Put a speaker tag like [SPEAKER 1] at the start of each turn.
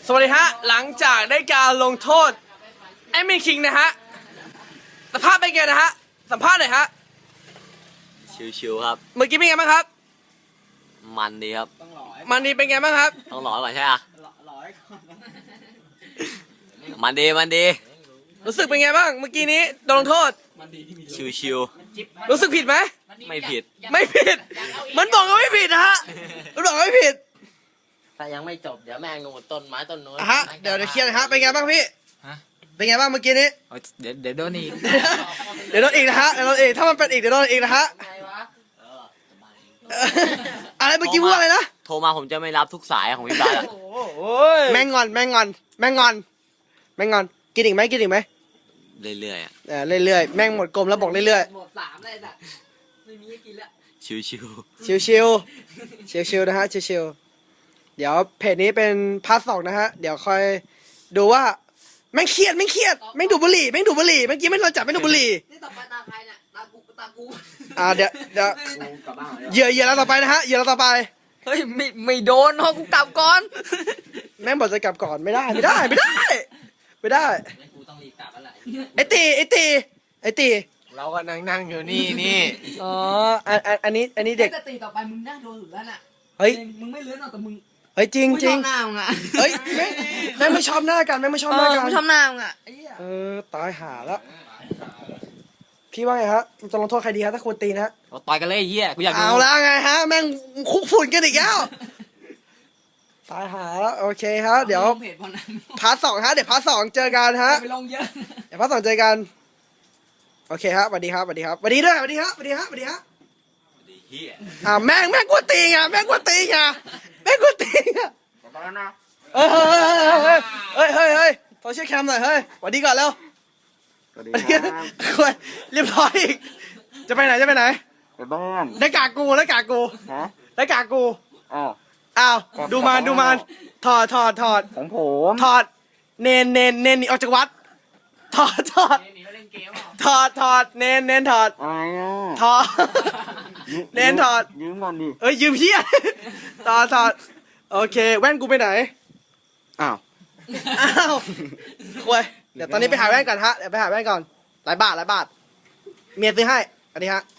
[SPEAKER 1] สวัสดีฮะหลังจากได้การลงโทษแอดมินคิงนะฮะสภาพเป็นไงนะฮะสัมภาษณ์หน่อยฮะ
[SPEAKER 2] ชิวๆครับ
[SPEAKER 1] เมื่อกี้เป็นไงบ้างครับ
[SPEAKER 2] มันดีครับ
[SPEAKER 1] มันดีเป็นไงบ้างครับ
[SPEAKER 2] ต้องหล่อก่อนใช่ไหมมันดี
[SPEAKER 1] รู้สึกเป็นไงบ้างเมื่อกี้นี้โดนลงโทษ
[SPEAKER 2] ชิว
[SPEAKER 1] รู้สึกผิดไหม
[SPEAKER 2] ๆไม่ผิด
[SPEAKER 1] ไม่ผิดมันบอกว่าไม่ผิดนะฮะมันบอกว่าไม่ผิด
[SPEAKER 2] ถ้ายังไม่จบเดี๋ยวแม่งงต้นไม้ต้นนู้น
[SPEAKER 1] ฮะเดี๋ยวเคลียร์นะฮะเป็นไงบ้างพี่เป็นไงบ้างเมื่อกี้นี้
[SPEAKER 3] เดี๋ยวโดนอีก
[SPEAKER 1] เดี๋ยวโดนอีกนะฮะเดี๋ยวโดนอีกถ้ามันเป็นอีกเดี๋ยวโดนอีกนะฮะอะไรเมื่อกี้พูดอะไรนะ
[SPEAKER 2] โทรมาผมจะไม่รับทุกสายของพี่บ้านอะ
[SPEAKER 1] แม่งงอนกินอีกไหมเ
[SPEAKER 2] รื่อยๆอะ
[SPEAKER 1] เรื่อยๆแม่งหมดกลมแล้วบอกเรื่อย
[SPEAKER 3] หมด3เลยจ้ะไม่มีให้กินแล้ว
[SPEAKER 2] ชิว
[SPEAKER 1] ๆชิวๆนะฮะชิวๆเดี๋ยวเพจนี้เป็นพาร์ท 2นะฮะเดี๋ยวคอยดูว่าแม่งเครียดแม่งดูดบุหรี่เมื่อกี้ไม่โดนจับแม่งดูดบุหรี่
[SPEAKER 3] นี่ต่อไปตาใครเนี่ยตากู
[SPEAKER 1] เดี๋ยวเหยื่อเราต่อไปนะฮะเหยื่อเราต่อไป
[SPEAKER 3] เฮ้ยไม่โดนเนาะกูกลับก่อน
[SPEAKER 1] แม่งบอกจะกลับก่อนไม่ได้
[SPEAKER 3] กูต้องรีบกลับแล้วแหละ
[SPEAKER 1] ไอ้ตี
[SPEAKER 3] เราก็นั่งอยู่นี่
[SPEAKER 1] อ๋ออันนี้เด็ก
[SPEAKER 3] จะตีต่อไปมึงน่าโดนสุดแล้วน่ะ
[SPEAKER 1] เฮ้ย
[SPEAKER 3] มึงไม่เลื้อนหรอกแต่มึง
[SPEAKER 1] เฮ้ยจริง
[SPEAKER 3] ไม่ชอบหน้ามึงอ่ะ
[SPEAKER 1] เฮ้ยแม่งไม่ชอบหน้ากัน
[SPEAKER 3] ไม่ชอบหน้ามึงอ่ะ
[SPEAKER 1] ตายหาแล้วพี่ว่าไงฮะจะลงโทษใครดีฮะถ้าควรตีนะฮะ
[SPEAKER 2] เราต่อยกันเลยเฮียกูอยากดู
[SPEAKER 1] เอาแล้วไงฮะแม่งคุกฝุ่นกันอีกแล้วตายหาแล้วโอเคฮะเดี๋ยวพาร์ท 2ฮะเดี๋ยวพาร์ท 2เจอกันฮะ
[SPEAKER 3] ไปลงเยอะ
[SPEAKER 1] เดี๋ยวพาร์ท 2เจอกันโอเคฮะสวัสดีครับสวัสดีด้วยสวัสดีฮะ
[SPEAKER 2] เฮีย
[SPEAKER 1] แม่งกวนตีไงเฮ้ยโซเชียลแคมหน่อยเฮ้ยสวัสดีก่อนแล้วสวัสดีครับเรียบร้อยอีกจะไปไหน
[SPEAKER 4] ไปบ้าน
[SPEAKER 1] ได้กากกูได้กากกูอ้าวดูมันถอด
[SPEAKER 4] ของผม
[SPEAKER 1] ถอดเนนหนีออกจากวัดถอดเนนถอด
[SPEAKER 4] อะไรอ่ะ
[SPEAKER 1] ถอดเนนถอด
[SPEAKER 4] ยืมก่อนดิ
[SPEAKER 1] ยืมเพี้ยถอดโอเคแว่นกูไปไหน
[SPEAKER 4] อ้าว
[SPEAKER 1] คุยเดี๋ยวตอนนี้ไปหาแว่นก่อนฮะเดี๋ยวไปหาแว่นก่อนหลายบาทเมียซื้อให้อันนี้ฮะ